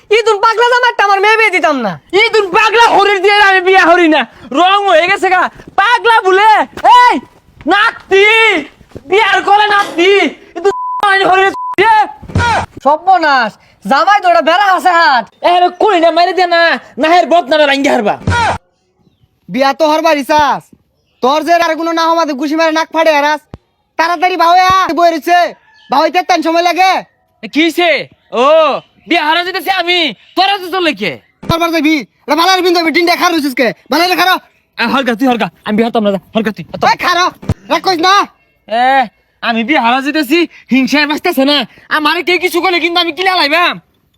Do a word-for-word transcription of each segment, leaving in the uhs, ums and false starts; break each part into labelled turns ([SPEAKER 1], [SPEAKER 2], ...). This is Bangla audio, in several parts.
[SPEAKER 1] ইদুন পাগলা জামাইটা আমার মেয়ে বিয়ে দিতাম না।
[SPEAKER 2] ইদুন পাগলা হরির দিয়ে আমি বিয়া হরি না, রং হয়ে গেছে গা পাগলা বলে। এই নাতি বিয়ার করে নাতি ইদুন হরির
[SPEAKER 1] সর্বনাশ, জামাই তো ওটা বেড়া আছে হাট।
[SPEAKER 2] এর কই না মারি দে না, নাহের বদনামে রাঙ্গি হারবা।
[SPEAKER 3] বিয়া তো হরবার ইসাস, তোর যে আর কোনো না হমাতে গুছি মারে নাক ফাড়ে হারাস। তাড়াতাড়ি বাহয়া বই রইছে, বাহইতে তেন সময় লাগে।
[SPEAKER 2] কিছে ও বিয়া হারা যেতেছে আমি, তোরা তো চলে কে
[SPEAKER 3] হরবার যাবি রে বালার বিন্দু ডিন দেখা রইছিস কে বালারে খারো।
[SPEAKER 2] হরগা তুই হরগা, আমি বিয়া হতাম না, হরগা তুই
[SPEAKER 3] ওই খারো রাখ কইস না।
[SPEAKER 2] এ আমি বিয়া হারা যেতেছি, হিংসায় বাঁচতেছে না আমারে কে কিছু করলে কিন্তু আমি কিলা লাইবাম।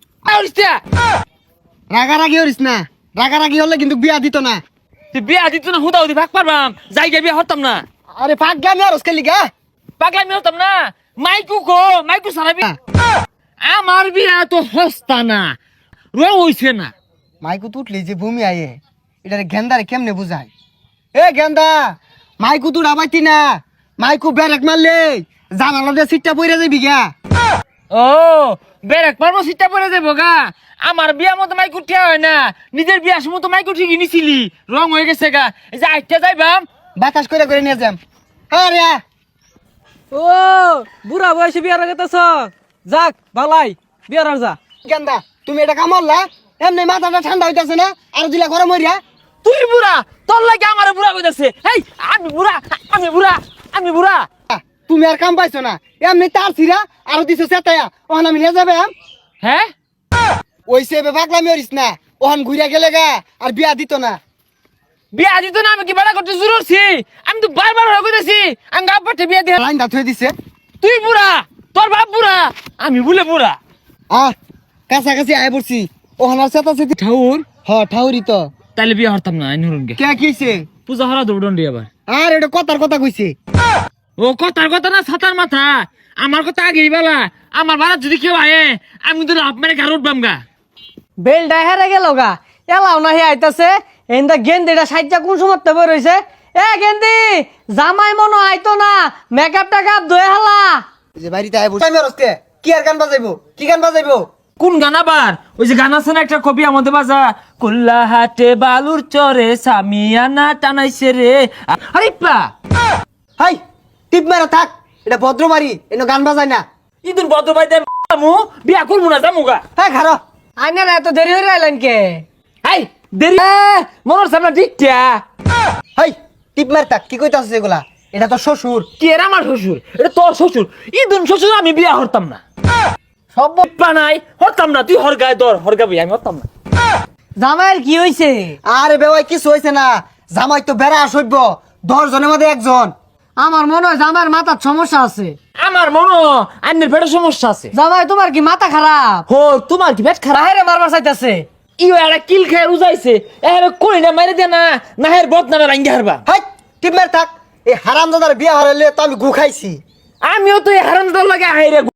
[SPEAKER 3] রাগারাগি হরিস না, রাগারাগি হলে কিন্তু বিয়া দিত না।
[SPEAKER 2] তুই বিয়া দিত না হুদা হুদি ভাগ পারবাম, জায়গা বিয়া হতাম না।
[SPEAKER 3] আরে পাগলামি আর ওসকে লিগা
[SPEAKER 2] পাগলা আমি হতাম না, মাইকু কো মাইকু সারাবি। আমার বিয়া তো হস্তা না, রং হইছে না।
[SPEAKER 3] মাইকু তুটলি যে ভূমি আয়ে এটারে গেন্দারে কেমনে বুঝায়? এ গেন্দা মাইকু তুই আবাইতি না, মাইকু ব্যারেক মারলে জানালা দিয়ে সিটটা পইরা যাবি গা।
[SPEAKER 2] ও বেরেক পারবো সিটটা পরে যাবো গা। আমার বিয়া মতো মাইকু ঠিয়া হয় না, নিজের বিয়ার সময় তো মাইকু ঠিকই নিছিলি, রং হয়ে গেছে গা। এই যে আইটা যাইবাম
[SPEAKER 3] বাতাস করে করে নিয়ে যাম। আরে
[SPEAKER 1] ও বুড়া বয়সে বিয়ার গেতেছ, যাক বালাই বিয়ার আর যা।
[SPEAKER 3] গেন্দা তুমি এটা কামড়লা, এমনি মাথাটা ঠান্ডা হইতাছে না আর দিলা গরম হইরা।
[SPEAKER 2] তুই বুড়া, তোর লাগে আমার বুড়া কইতাছে। এই আমি বুড়া, আমি বুড়া, আমি বুড়া।
[SPEAKER 3] তুমি আর কাম পাইছো না, এমনি তার ছিড়া আর দিছো চেতায়া ওখান আমি নিয়ে যাবে।
[SPEAKER 2] হ্যাঁ
[SPEAKER 3] ওই সে পাগলামি হরিস না, ওখান ঘুরিয়া গেলে গা আর বিয়া দিত না।
[SPEAKER 2] বিয়া দিত না, আমি কি বেড়া করতে শুরু করছি? আমি তো বারবার হয়ে কইতাছি আমি গাপ পাঠে বিয়া দিয়ে।
[SPEAKER 3] লাইন দাঁত হয়ে দিছে।
[SPEAKER 2] তুই বুড়া, তোর বাপ বুড়া, আমি বলে বুড়া।
[SPEAKER 3] আহ কাছাকাছি আয় পড়ছি, ওখান আর চেতা চেতি
[SPEAKER 2] ঠাউর
[SPEAKER 3] হ ঠাউরি তো।
[SPEAKER 2] তাইলে বিয়া হরতাম না নুরুনকে।
[SPEAKER 3] কে কিছে?
[SPEAKER 2] পূজা হরা দৌড়ন্ডি আবার।
[SPEAKER 3] আর এটা কথার কথা কইছে।
[SPEAKER 2] ও কথার কথা না ছাতার মাথা, আমার কথা আগেই বেলা। আমার বাড়া যদি কেউ আয়ে আমি তো লাভ মেরে ঘর উঠবাম গা।
[SPEAKER 1] বেলটা হেরে গেল গা, এলাও না হে আইতাছে। এন্দা গেন্দিটা সাইজা কোন সময় বই রইছে। এ গেন্দি জামাই মনো আইতো না, মেকআপ টেকআপ ধুয়ে হালা।
[SPEAKER 3] যে বাড়িতে আয় পড়ছি আমি আরস্তে কি আর গান বাজাইবো, কি গান বাজাইবো?
[SPEAKER 2] কোন গান আবার? ওই যে গান আছে না একটা কবি আমাদের বাজা, কুল্লা হাটে বালুর চরে সামিয়ানা টানাইছে রে। আরে পা
[SPEAKER 3] হাই টিপ মারা থাক, এটা ভদ্র বাড়ি, এনে গান বাজায় না।
[SPEAKER 2] ইদুন বদ্র ভাই আমু বিয়া করবো না জামুগা।
[SPEAKER 3] হ্যাঁ খারো।
[SPEAKER 1] আইনার এত দেরি হয়ে আইলেন কে?
[SPEAKER 2] হাই দেরি মনের সামনে ঠিকটা।
[SPEAKER 3] হাই টিপ মার থাক, কি কইতাছিস এগুলা? এটা তো শ্বশুর।
[SPEAKER 2] কি এর আমার শ্বশুর, এটা তোর শ্বশুর। ইদুন শ্বশুর আমি বিয়া হরতাম না,
[SPEAKER 1] সব
[SPEAKER 2] বানাই হরতাম না। তুই হরগায় দর হরগা বই, আমি হরতাম না।
[SPEAKER 1] জামাইয়ের কি হইছে?
[SPEAKER 3] আরে বেওয়াই কিছু হইছে না, জামাই তো বেড়া সইব, দশ জনের মধ্যে একজন।
[SPEAKER 1] আমার মনে হয় জামাইয়ের মাথার সমস্যা আছে।
[SPEAKER 2] আমার মনো আন্নের পেটের সমস্যা আছে।
[SPEAKER 1] জামাই তোমার কি মাথা খারাপ?
[SPEAKER 2] হো তোমার কি পেট খারাপ?
[SPEAKER 1] বাহিরে মারবার চাইতাছে।
[SPEAKER 2] ইও একটা কিল খেয়ে উজাইছে, এর কই না মারি দে না, নাহের বদনামে রাঙ্গি হারবা।
[SPEAKER 3] হাই টিপ মার থাক, এই হারামজাদার বিয়া হারাইলে তো আমি গু খাইছি।
[SPEAKER 2] আমিও তো এই হারামদার লাগে হাইরে